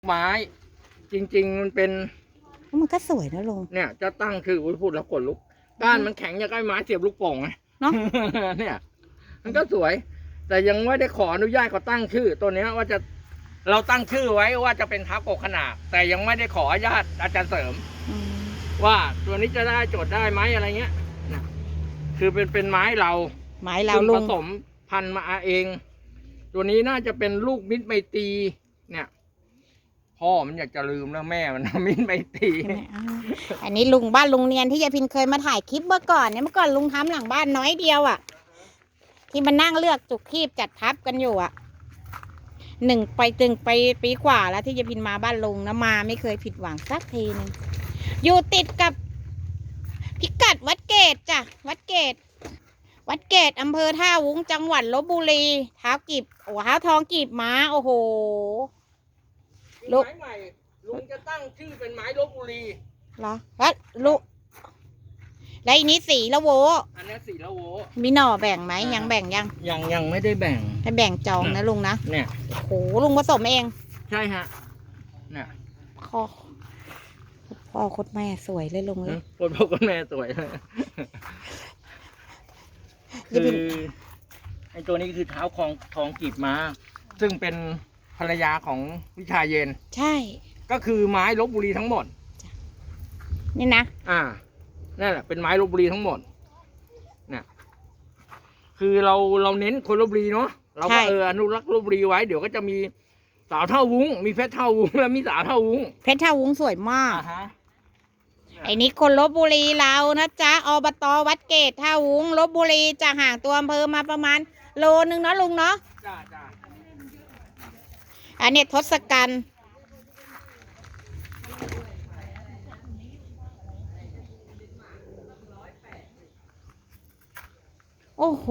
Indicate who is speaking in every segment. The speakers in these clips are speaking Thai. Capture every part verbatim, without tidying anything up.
Speaker 1: ไม้จริงๆมันเป็น
Speaker 2: มันก็สวยนะลุง
Speaker 1: เนี่ยจะตั้งคือพูดแล้วขนลุกก้านมันแข็งอย่างไอ้ไม้เสียบลูกโป่งไง
Speaker 2: เนาะ
Speaker 1: เนี่ยมันก็สวยแต่ยังไม่ได้ขออนุญาตเขาตั้งชื่อตัวเนี้ยว่าจะเราตั้งชื่อไว้ว่าจะเป็นเท้ากกขนาดแต่ยังไม่ได้ขออนุญาตอาจารย์เสริมว่าตัวนี้จะได้โจทย์ได้ไหมอะไรเงี้ยนะคือเป็นเป็นไม้เรา
Speaker 2: ไม้เราลุง
Speaker 1: ผสมพันธุ์มาเอง ตัวนี้น่าจะเป็นลูกมิตรไมตรีเนี่ยพ่อมันอยากจะลืมแล้วแม่มันมิตรไมตรี
Speaker 2: อันนี้ลุงบ้านลุงเนียนที่ยายพินเคยมาถ่ายคลิปเมื่อก่อนเนี่ยเมื่อก่อนลุงทำหลังบ้านน้อยเดียวอ่ะที่มันนั่งเลือกจุกคีบจัดทับกันอยู่อ่ะหนึ่งไปตึงไปปีกว่าแล้วที่ยายพินมาบ้านลุงนะมาไม่เคยผิดหวังสักทีนึงอยู่ติดกับพิกัดวัดเกตจ้ะวัดเกตวัดเกตอำเภอท่าวุ้งจังหวัดลพบุรีเท้ากีบโอ้เท้าทองกีบม้าโอ้โห
Speaker 1: ลุงไม้ใหม่ลุงจะตั้งชื่อเป็นไม้ลพบุรี
Speaker 2: เหรอแล้วลุแล้วอันนี้สีละโว
Speaker 1: อันนี้สีละโว
Speaker 2: มีหน่อแบ่งไหมยังแบ่งยัง
Speaker 1: ยังยังไม่ได้แบ่ง
Speaker 2: ให้แบ่งจองนะลุงนะ
Speaker 1: เนี่ย
Speaker 2: โอ้โหลุงผสมเอง
Speaker 1: ใช่ฮะเนี่ย
Speaker 2: พ่อพ่อโคตรแม่สวยเลยลุงเลย
Speaker 1: โคตรพ่อโคตรแม่สวยเลยคือไอ้ตัวนี้คือเท้าทองทองกีบม้าซึ่งเป็นภรรยาของวิชาเย็น
Speaker 2: ใช่
Speaker 1: ก็คือไม้ลพบุรีทั้งหมด
Speaker 2: นี่นะ
Speaker 1: อ่านั่นแหละเป็นไม้ลพบุรีทั้งหมดเนี่ยคือเราเราเน้นคนลพบุรีเนาะเราก็เอออนุรักษ์ลพบุรีไว้เดี๋ยวก็จะมีสาวเท่าวุ้งมีเพชรเท่าวุ้งแล้วมีสาวเท่าวุ้ง
Speaker 2: เพชรเท่าวุ้งสวยมากไอ้นี้คนลพบุรีเรานะจ๊ะอบต.วัดเกตท่าวุ้งลพบุรีจะห่างตัวอำเภอมาประมาณโลนึงเนาะลุงเนาะ
Speaker 1: จ้าจ้า
Speaker 2: อันนี้ทศกัณฐ์โอ้โห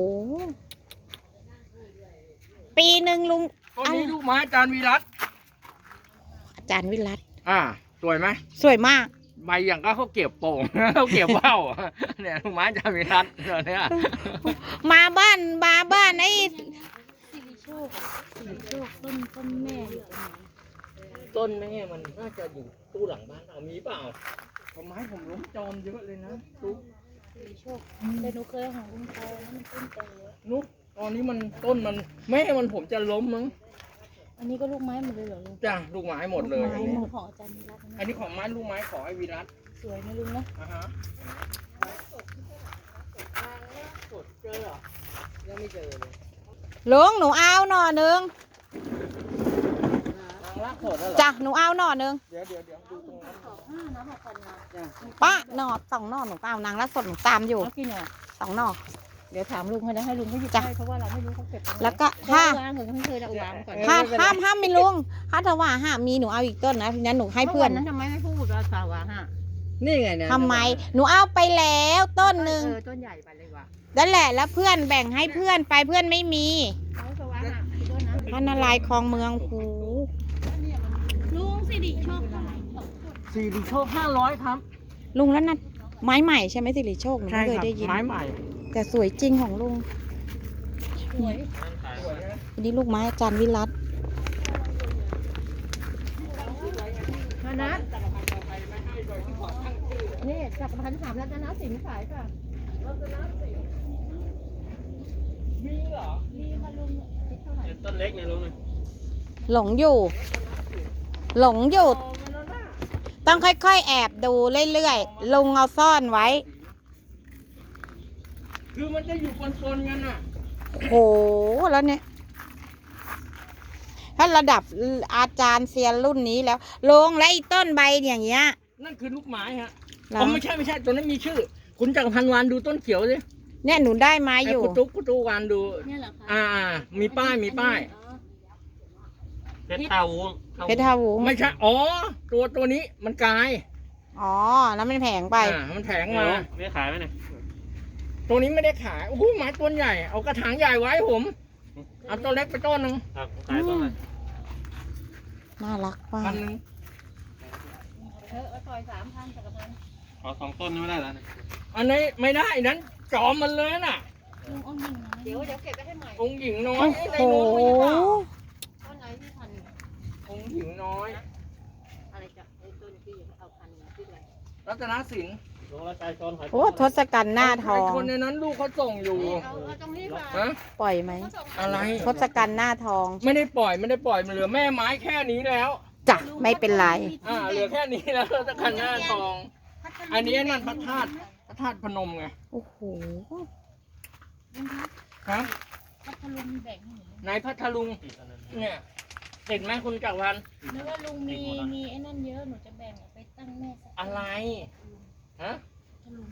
Speaker 2: ปีหนึ่งลุง
Speaker 1: ต้นนี้ลูกไม้อาจารย์วิรัต
Speaker 2: อาจารย์วิรัต
Speaker 1: อ่าสวยไหม
Speaker 2: สวยมาก
Speaker 1: ใบอย่างก็เขาเก็บโป่งเขาเก็บเบ้าเนี่ยลูกไม้อาจารย์วิรัตเนี่ย
Speaker 2: มาบ้านมาบ้านไอ้
Speaker 3: สิริโชคสิริโชคต้นต้นแม่อยู่ตรงไหน
Speaker 1: ต้นแม่มันน่าจะอยู่ตู้หลังบ้านเอามีเปล่าต้นไม้ผมล้มจอมเยอะเลยนะตุ๊ก
Speaker 3: สิริโชคแต่หนูเคยของลุงโตมันต้นโต
Speaker 1: นุ๊กตอนนี้มันต้นมันแม่มันผมจะล้มมั้ง
Speaker 3: อันนี้ก็ลูกไม้หมดเลยเหรอลุง
Speaker 1: จ้ะลูกไม้หมดเลย
Speaker 3: อันนี้ของอาจารย์วิรัต
Speaker 1: อันนี้ของไม้ลูกไม้ของไอ้วิรัต
Speaker 3: สวยนะลุงนะ
Speaker 1: อ่าฮะสดเจอเหรอยังไม่เจอเลย
Speaker 2: ลุงหนูเอาหน่อหนึ่งจ้ะหนูเอาหน่อหนึ่ง
Speaker 1: เดี๋ยวเดี๋ยวเดี๋ยวดูตรงนั้น
Speaker 2: ป้าหน่อสองหน่อหนูเอานางรักสดหนูตามอยู่สองหน่อ
Speaker 3: เดี๋ยวถามลุงให้นะให้ลุงเขาหยิบให้เพราะว่าเราไม่รู้เขาเก็บ
Speaker 2: แล้วก็ถ้าถ้าห้ามห้ามมีลุงถ้าถว่าห้ามมีหนูเอาอีกต้นนะทีนั้นหนูให้เพื่อน
Speaker 3: นั้นทำไมไม่พูดว่าสาวฮะ
Speaker 1: นี่ไงเนี่ย
Speaker 2: ทำไมหนูเอาไปแล้วต้นหนึ่ง
Speaker 3: ต้นใหญ่ไปเลยว่ะ
Speaker 2: นั่นแหละแล้วเพื่อนแบ่งให้เพื่อนไปเพื่อนไม่มีพระนารายณ์คลองเมืองหู
Speaker 3: ลุงสิริโชค
Speaker 1: สิริโชคห้าร้อยครับ
Speaker 2: ลุงแล้วนั่นไม้ใหม่ใช่ไหมสิริโชคหนูไม่เคยได้ยิน
Speaker 1: ไม้ใหม่
Speaker 2: แต่สวยจริงของลุง
Speaker 3: สวย
Speaker 2: อันนี้ลูกไม้อาจารย์วิรัต
Speaker 3: มานะนี่จักรพันธ์สามรัตนสินขายค่ะรัตนสิน
Speaker 1: มีเหรอ
Speaker 3: มีมาลุง
Speaker 1: ต้นเล็กเนี่ยลุง
Speaker 2: หลงอยู่หลงอยู่ต้องค่อยๆแอบดูเรื่อยๆลุงเอาซ่อนไว้
Speaker 1: คือมันจะอยู่ปนๆกันอ่ะ
Speaker 2: โหแล้วเนี่ยถ้าระดับอาจารย์เซียนรุ่นนี้แล้วลงและอีต้นใบอย่างเงี้ย
Speaker 1: นั่นคือลูกไม้ฮะผมไม่ใช่ไม่ใช่ตัวนั้นมีชื่อคุณจักรพันธ์วานดูต้นเขียวสิ
Speaker 2: เนี่ยหนูได้มาอยู่
Speaker 1: กุตุ๊กกุตุ๊กวานดู
Speaker 3: เนี่ยเหรอคะ
Speaker 1: อ่ามีป้ายมีป้าย
Speaker 4: เพชรเท่าวุ้ง
Speaker 2: เพชรเท่าวุ้ง
Speaker 1: ไม่ใช่อ๋อตัวตัวนี้มันกลาย
Speaker 2: อ๋อแล้วมันแผงไป
Speaker 1: อ่ามันแผงมา
Speaker 4: ไม่ขายไหมเนี่ย
Speaker 1: ตัวนี้ไม่ได้ขายโอ้โหไม้ต้นใหญ่เอากระถางใหญ่ไว้ผมเอาตัวเล็กไปต้นหนึ่ง
Speaker 4: ครับขายต้นไหน
Speaker 2: น่ารักมาก
Speaker 1: พันหนึ่ง
Speaker 3: เออเอาต่อยสามพันจักรพันธ์
Speaker 4: ขอสองต้นไม่ได้แล้ว
Speaker 1: อันนี้ไม่ได้นั้นจอมมันเลยน่ะ
Speaker 3: ลุงองค์หญิงเดี๋ยวเดี๋ยวเก็บไปให้ใหม่
Speaker 1: องค์หญิงน้อย
Speaker 2: โอ้โห
Speaker 3: ต้นไหนที่พัน
Speaker 1: องค์หญิหญิงน้อย
Speaker 3: อะไรจะไอ้ต้นที่เอาพันธุ์ที่อะไร
Speaker 1: รัตนสิน
Speaker 4: ลงแล้วใจชนหอย
Speaker 2: โอ้ทศกัณฐ์หน้าทอง
Speaker 1: ไคนในนั้นลูกเขาส่งอยู่
Speaker 3: เอาเอาตรงนี้ก่อน
Speaker 1: ฮะ
Speaker 2: ปล่อยไหม
Speaker 1: อะไร
Speaker 2: ทศกัณฐ์หน้าทอง
Speaker 1: ไม่ได้ปล่อยไม่ได้ปล่อยมันเหลือแม่ไม้แค่นี้แล้ว
Speaker 2: จ้ะไม่เป็นไร
Speaker 1: อ่าเหลือแค่นี้แล้วตะคันหน้าทอง อันนี้นั่นพระธาตุพระธาตุพนมไง
Speaker 2: โอ้โห
Speaker 1: ครับ
Speaker 3: พัทลุงแบ่งให้หนู
Speaker 1: ในพัทลุงเนี่ยเห็นไหมคุณจักรพันธ์
Speaker 3: นึกว่าลุงมีมีไอ้นั่นเยอะหนูจะแบ่งเอาไปตั้งแม่สัก
Speaker 1: อะไรฮะ
Speaker 3: พัทลุง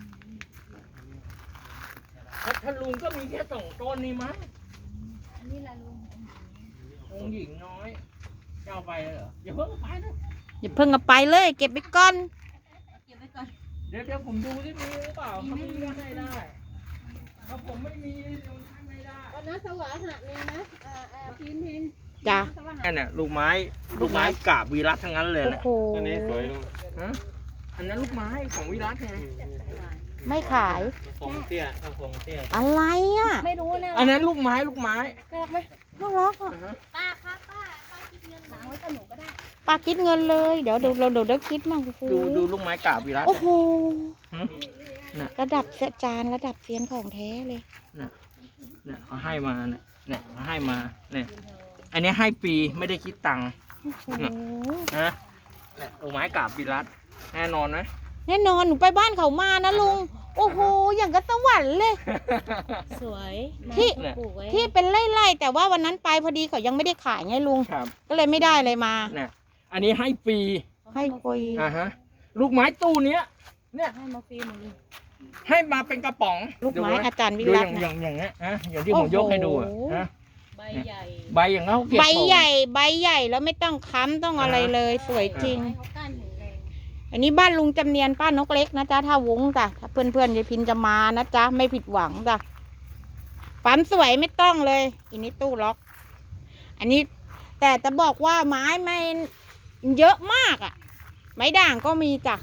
Speaker 1: พัทลุงก็มีแค่สองต้นนี่มั้ง
Speaker 3: อันนี้ละลุง
Speaker 1: องค์หญิงน้อยจะเอาไปเหรออย่าเพิ่งเอาไปนะ
Speaker 2: อย่าเพิ่งเอาไปเลย เก็บไปก่อน
Speaker 3: เก็บไว้ก่อน
Speaker 1: เดี๋ยวเดี๋ยวผมดูที่มีหรือเปล่าถ้ามีก็ให้ได้ถ้าผมไม่มีเดี๋ยวให้ไม่ได้
Speaker 3: วันนั้นสวาหักเลยนะอ่าอ่าพินพิน
Speaker 2: จ้ะ
Speaker 3: สวาหัก
Speaker 1: นั่นน่ะลูกไม้ ลูกไม้กาบวีรัตทั้งนั้นเลย
Speaker 2: โอ้
Speaker 1: นะ
Speaker 2: โห
Speaker 4: ตัวนี้สวยลุง
Speaker 1: ฮะอันนั้นลูกไม้ของวิรัตไง
Speaker 2: ไม่ขาย
Speaker 4: ฟงเตี้ยต้องฟงเตี้ย
Speaker 2: อะไรอ่ะ
Speaker 3: ไม่รู้นะ
Speaker 1: อันนั้นลูกไม้ลูกไม้
Speaker 3: น่ารักไหม
Speaker 2: น่ารักอ่ะ
Speaker 1: อ่าฮะ
Speaker 3: ป้าคะป้าป้าคิดเงินหนาไว้กับหนูก็ได้
Speaker 2: ปาคิดเงินเลย เดี๋ยวเดี๋ยวเราเดี๋ยวได้คิดมั่งโอ้โห
Speaker 1: ดูดูลูกไม้กาบวีรัต
Speaker 2: โอ้โห
Speaker 1: หึ
Speaker 2: ระดับเสจานระดับเซียนของแท้เลย
Speaker 1: เนี่ยเขาให้มาเนี่ยเนี่ยเขาให้มาเนี่ยอันนี้ให้ฟรีไม่ได้คิดตังค์
Speaker 2: โอ้โห
Speaker 1: นะเนี่ยลูกไม้กาบวีรัตแน่นอนไหม
Speaker 2: แน่นอนหนูไปบ้านเขามานะลุง โอ้โห อย่างกับสวรรค์เลย
Speaker 3: สวย
Speaker 2: ที่
Speaker 3: ปลูกไว้
Speaker 2: ที่เป็นไร่ๆแต่ว่าวันนั้นไปพอดีเขายังไม่ได้ขายไงลุง
Speaker 1: ครับ
Speaker 2: ก็เลยไม่ได้เลยมา
Speaker 1: เนี่ยอันนี้ให้ฟรี
Speaker 2: ให้คุย
Speaker 1: อ่าฮะลูกไม้ตู้เนี้ยเนี่ย
Speaker 3: ให้มาฟรีหมดเลย
Speaker 1: ให้มาเป็นกระป๋อง
Speaker 2: ลูกไม้
Speaker 1: ดูว้
Speaker 2: อาจารย์วิ
Speaker 1: ดูอ
Speaker 2: รัต
Speaker 1: ย่าง
Speaker 2: น์
Speaker 1: อย่า
Speaker 2: นะ
Speaker 1: งอย่างเงี้ยฮะอย่างที่ผมยกให้ดูอะ
Speaker 2: โอ้โห
Speaker 1: ฮะ
Speaker 3: ใบใหญ่
Speaker 1: ใบอย่างเขาเก็บ
Speaker 2: ใบ
Speaker 1: ของ
Speaker 2: ใหญ่ใบใหญ่แล้วไม่ต้องค้ำต้องอะไรเลย สวยจริง
Speaker 3: ให้เขาก้านแข็งแรง
Speaker 2: อันนี้บ้านลุงจำเนียนป้านกเล็กนะจ๊ะถ้าวงจ้ะถ้าเพื่อนเพื่อนๆยายพินจะมานะจ๊ะไม่ผิดหวังจ้ะปั๊มสวยไม่ต้องเลยอันนี้ตู้ล็อก อันนี้ แต่จะบอกว่าไม้ไม่เยอะมากอ่ะ ไม้ด่างก็มีจ้ะ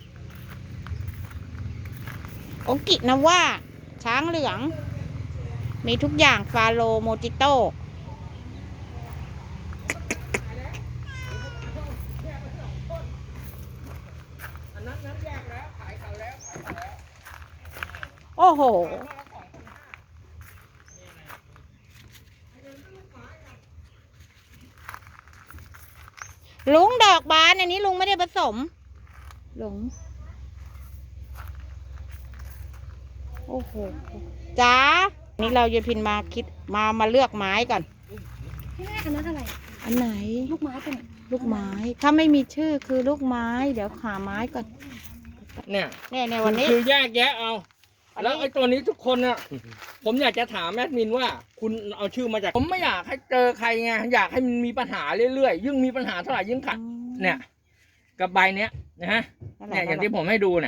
Speaker 2: โอกินะว่า ช้างเหลือง มีทุกอย่างฟาโลโมจิโต
Speaker 1: อันนั้นนั้นแยกแล้วขายเขาแล้วขายเขาแล้ว
Speaker 2: โอ้โห ลุงดอกบานอันนี้ลุงไม่ได้ผสม ลุง โอ้โห จ้า นี่เราจะพินมาคิดมามาเลือกไม้ก่อน
Speaker 3: ที่แรกอันนั้นอะไร
Speaker 2: อันไหน
Speaker 3: ลูกไม้เป็น
Speaker 2: ลูกไม้ ถ้าไม่มีชื่อคือลูกไม้ เดี๋ยวหาไม้ก่อน
Speaker 1: เนี่ย
Speaker 2: เนี่ยในวันนี้
Speaker 1: คือแยกแยะเอา
Speaker 2: วันนี้
Speaker 1: แล้วไอ้ตัวนี้ทุกคนน่ะ ผมอยากจะถามแอดมินว่า คุณเอาชื่อมาจาก ผมไม่อยากให้เจอใครไงอยากให้มันมีปัญหาเรื่อยๆยิ่งมีปัญหาเท่าไหร่ยิ่งขัดเนี่ยกับใบเนี้ยนะฮะเนี่ยอย่างที่ผมให้ดูเนี่ย